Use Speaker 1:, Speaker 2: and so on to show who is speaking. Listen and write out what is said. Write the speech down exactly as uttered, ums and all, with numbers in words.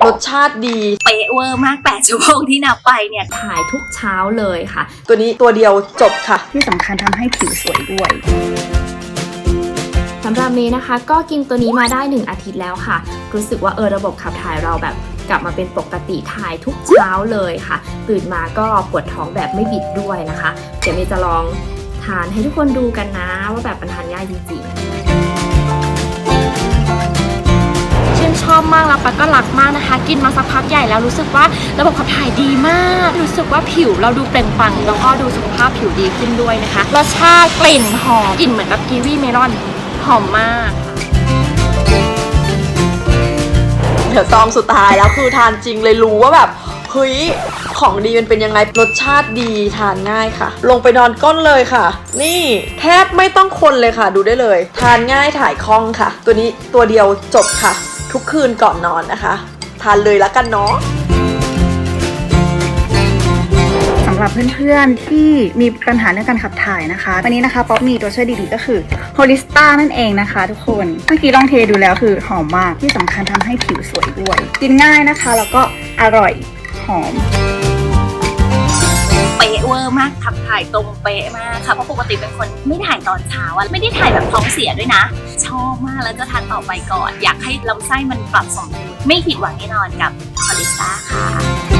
Speaker 1: รสชาติดี
Speaker 2: เป๊ะเวอร์มากแปดชั่วโมงที่นับไปเนี่ยถ่ายทุกเช้าเลยค่ะ
Speaker 1: ตัวนี้ตัวเดียวจบค่ะ
Speaker 3: ที่สำคัญทำให้ผิวสวยด้วย
Speaker 4: สำหรับเมย์นะคะก็กินตัวนี้มาได้หนึ่งอาทิตย์แล้วค่ะรู้สึกว่าเออระบบขับถ่ายเราแบบกลับมาเป็นปกติถ่ายทุกเช้าเลยค่ะตื่นมาก็ปวดท้องแบบไม่บิดด้วยนะคะเดี๋ยวเมย์จะลองทานให้ทุกคนดูกันนะว่าแบบมันทานง่ายจริงๆชื่นชอบมากแล้วปะก็รักมากนะคะกินมาสักพักใหญ่แล้วรู้สึกว่าระบบขับถ่ายดีมากรู้สึกว่าผิวเราดูเปล่งปลั่งแล้วก็ดูสุขภาพผิวดีขึ้นด้วยนะคะรสชาติกลิ่นหอมกลิ่นเหมือนแบบกีวีเมลอนหอมมาก
Speaker 1: เดี๋ยวซองสุดท้ายแล้วคือทานจริงเลยรู้ว่าแบบเฮ้ยของดีมันเป็นยังไงรสชาติดีทานง่ายค่ะลงไปนอนก้นเลยค่ะนี่แทบไม่ต้องคนเลยค่ะดูได้เลยทานง่ายถ่ายคล่องค่ะตัวนี้ตัวเดียวจบค่ะทุกคืนก่อนนอนนะคะทานเลยแล้วกันเนาะ
Speaker 3: สำหรับเพื่อนๆที่มีปัญหาเรื่องการขับถ่ายนะคะวันนี้นะคะป๊อปมีตัวช่วยดีๆก็คือโฮลิสตานั่นเองนะคะทุกคนเมื่อกี้ลองเทดูแล้วคือหอมมากที่สำคัญทำให้ผิวสวยด้วยกินง่ายนะคะแล้วก็อร่อยหอม
Speaker 2: เป๊ะเวอร์มากขับถ่ายตรงเป๊ะมากค่ะเพราะปกติเป็นคนไม่ถ่ายตอนเช้าอะไม่ได้ถ่ายแบบท้องเสียด้วยนะชอบมากแล้วจะทานต่อไปก่อนอยากให้ลำไส้มันปรับสมดุลไม่ผิดหวังแน่นอนกับคอลิสตาค่ะ